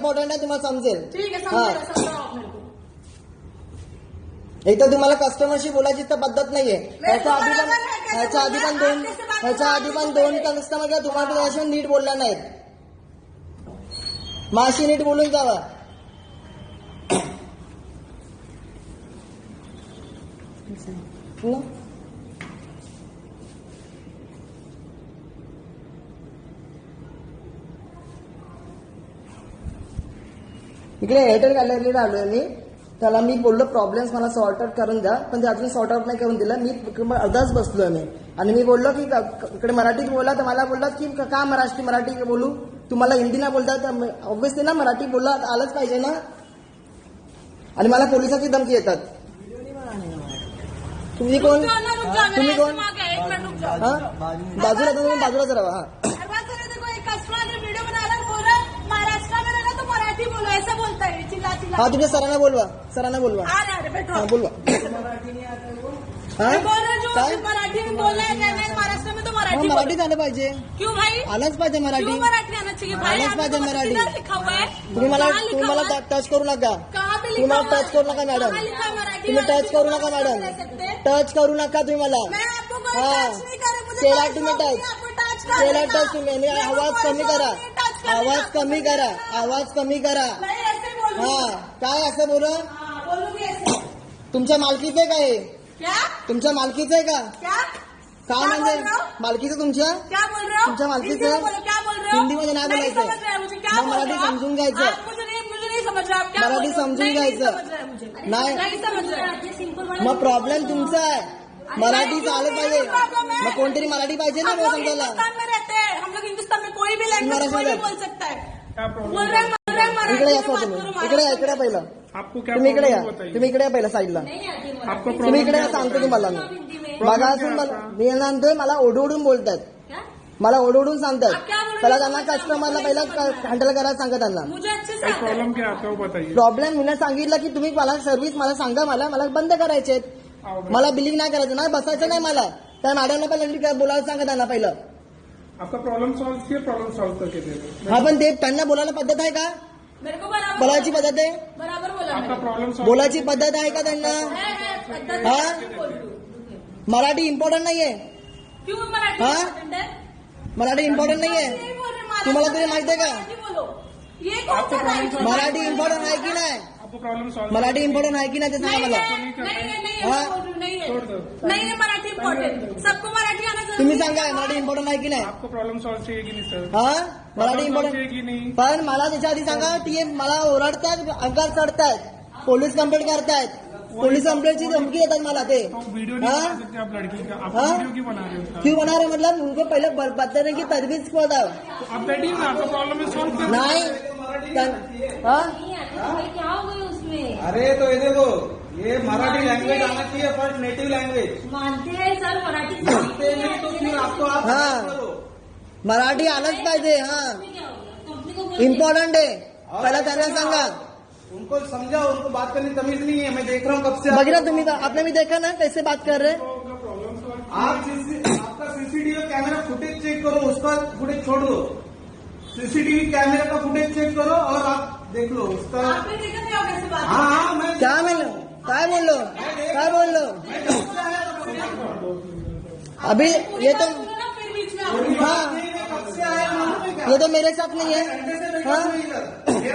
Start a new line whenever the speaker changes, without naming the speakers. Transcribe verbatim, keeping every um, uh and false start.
Important आहे, तुम्हाला समजेल.
ठीक आहे, समजेल, समजाओ आप मेरे को.
एक तर तुम्हाला कस्टमरशी बोलायची तर पद्धत नाहीये. ह्याच्या आधी पण ह्याच्या आधी पण दोन ह्याच्या आधी पण दोन कस्टमर किंवा तुम्हाला त्याच्याशी नीट बोलला नाहीत. माशी नीट बोलून जावा. इकडे एअरटेल गॅलरीला आलोय मी. त्याला मी बोललो प्रॉब्लेम्स मला सॉर्ट आउट करून द्या, पण ते अजून सॉर्ट आउट नाही करून दिलं. मी अर्धाच बसलोय मी आणि मी बोललो की इकडे मराठीत बोला, तर मला बोललात की का मराठी मराठी बोलू, तुम्हाला हिंदी नाही बोलता, तर ऑब्व्हियसली ना मराठी बोलला आलंच पाहिजे ना. आणि मला पोलिसाची धमकी येतात. तुम्ही कोण तुम्ही कोण हा बाजूला तुम्ही बाजूलाच राहा. हा
ऐसा बोलता है, चिल्ला चिल्ला.
हाँ तुझे सरांना बोलवा, सरांना बोलवा.
अरे अरे बैठो.
हाँ बोलवा. हाँ
बोल रहा जो मराठी में बोला है, महाराष्ट्र में तो मराठी
मराठी आलं पाहिजे.
क्यों भाई?
आलंच पाहिजे मराठी.
क्यों मराठी आना चाहिए भाई?
आलंच पाहिजे मराठी.
लिखा हुआ है.
तुम्ही मला तुम्ही मला टच करू नका. तुम्ही मला टच करू नका मॅडम. तुम्ही टच करू नका मॅडम. टच करू नका तुम्ही मला. हाँ केला तुम्ही टच केला टच तुम्ही. आवाज कमी करा, आवाज कमी करा, आवाज कमी करा. हा काय असं बोल? तुमच्या मालकीचं आहे का हे? तुमच्या मालकीचं आहे का? काय म्हणजे मालकीचं तुमच्या तुमच्या मालकीचं हिंदीमध्ये नाही बोलायचं, मग मराठी समजून घ्यायचं. मराठी समजून घ्यायचं नाही. मग प्रॉब्लेम तुमचा आहे. मराठी चालत पाहिजे. मग कोणतरी मराठी पाहिजे ना बोल समजायला.
हम लोग हिंदुस्तान में कोई भी लैंग्वेज कोई भी बोल सकता है.
इकडे या तुम्ही. इकडे या, इकडे पहिलं तुम्ही इकडे या. तुम्ही इकडे या पहिलं साईडला. तुम्ही इकडे या, सांगतो तुम्हाला मी. बघा असून मी सांगतोय मला ओढवडून बोलतात, मला ओढवडून सांगतात. पहिला त्यांना कस्टमरला पहिला हँडल करायला सांगा त्यांना.
प्रॉब्लेम क्या आता बताइए.
प्रॉब्लेम मी सांगितलं की तुम्ही मला सर्व्हिस मला सांगा, मला मला बंद करायचे, मला बिलिंग नाही करायचं, नाही बसायचं नाही मला. त्या मॅडमला पहिलं बोलायला सांगा त्यांना पहिलं.
आपका प्रॉब्लम सॉल्व किया, प्रॉब्लम सॉल्व करके दे दो.
हा पण ते त्यांना बोलायला पद्धत आहे का? बोलायची पद्धत आहे?
आपका प्रॉब्लम सॉल्व
बोलायची पद्धत आहे का त्यांना? हा मराठी इम्पॉर्टंट नाहीये. हा मराठी इम्पॉर्टंट नाहीये. तुम्हाला तरी माहिती आहे का मराठी इम्पॉर्टंट आहे की नाही?
प्रॉब्लम सॉल्व
मराठी इम्पॉर्टंट आहे की नाही ते सांगा मला.
नहीं मराठी इम्पॉर्टेंट, सबको मराठी आना जरूरी.
तुम्ही सांगा मराठी इम्पॉर्टंट आहे की नाही?
आपको प्रॉब्लम सॉल्व चाहिए की नहीं सर?
हा मराठी इम्पॉर्टंट
चाहिए की नहीं?
पण मला त्याच्या आधी सांगा ती मला ओरडतात, अंगार चढतायत, पोलीस कंप्लेंट करतायत, पोलीस कंप्लेंटची धमकी देतात मला ते.
वीडियो नहीं बना सकते आप लड़की का. आप वीडियो क्यों बना रहे हो?
क्यों बना रहे मतलब उनको पहले बताने की तजवीज को बताओ.
आप बैठिए ना, आपका प्रॉब्लम है सॉल्व कर.
नहीं हाँ
क्या हो गई उसमें?
अरे तो ये देखो, ये मराठी लैंग्वेज आना चाहिए, फर्स्ट नेटिव लैंग्वेज.
मानते हैं सर मराठी
मानते नहीं तो फिर आपको आप
हाँ मराठी आलंच पाहिजे. हा इम्पॉर्टंट आहे. पहिला त्यांना सांगा,
उनको समझाओ, उनको बात करने तमीज नहीं है. मैं देख रहा हूँ कब से.
बघितलं तुम्ही, आपने भी देखा ना कैसे बात कर रहे.
आप आपका सीसीटीवी कैमरा फुटेज चेक करो, उसका फुटेज छोड़ दो. सीसीटीवी कैमरा का फुटेज चेक करो और आप देख लो उसका. हाँ हाँ मैं
क्या बोलो काय बोललो काय बोललो अभी ये तो हाँ ये तो मेरे साथ नहीं है. हाँ